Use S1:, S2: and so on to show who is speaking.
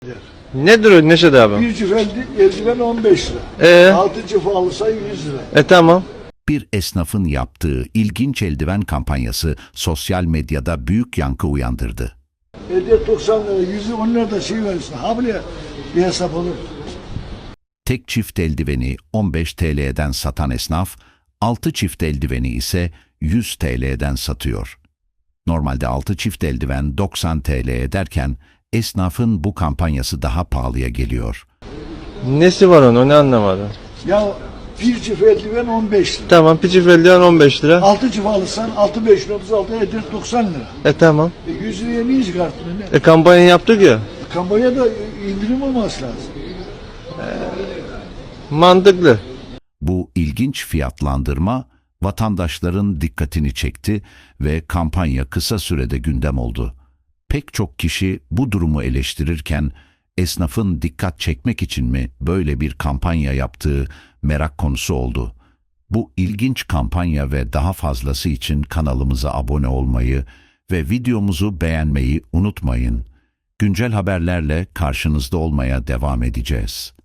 S1: Nedir o Neşet abi?
S2: Bir cüf eldiven 15 lira. 6 cüf alırsan 100 lira.
S1: Tamam.
S3: Bir esnafın yaptığı ilginç eldiven kampanyası sosyal medyada büyük yankı uyandırdı.
S2: Hediye 90 lira, 110 lira da şey verirsin. Ha bile bir hesap olur.
S3: Tek çift eldiveni 15 TL'den satan esnaf, 6 çift eldiveni ise 100 TL'den satıyor. Normalde 6 çift eldiven 90 TL ederken esnafın bu kampanyası daha pahalıya geliyor.
S1: Nesi var onun, onu anlamadım.
S2: Ya bir cüf eldiven 15 lira.
S1: Tamam, piçi feldiyan 15 lira.
S2: 6 cüf alırsan 6 5 36 eder 90 lira.
S1: Tamam.
S2: 100 liraya niye çıkarttın ne?
S1: Kampanya yaptık ya.
S2: Kampanyada indirim olması lazım.
S1: Mantıklı.
S3: Bu ilginç fiyatlandırma vatandaşların dikkatini çekti ve kampanya kısa sürede gündem oldu. Pek çok kişi bu durumu eleştirirken esnafın dikkat çekmek için mi böyle bir kampanya yaptığı merak konusu oldu. Bu ilginç kampanya ve daha fazlası için kanalımıza abone olmayı ve videomuzu beğenmeyi unutmayın. Güncel haberlerle karşınızda olmaya devam edeceğiz.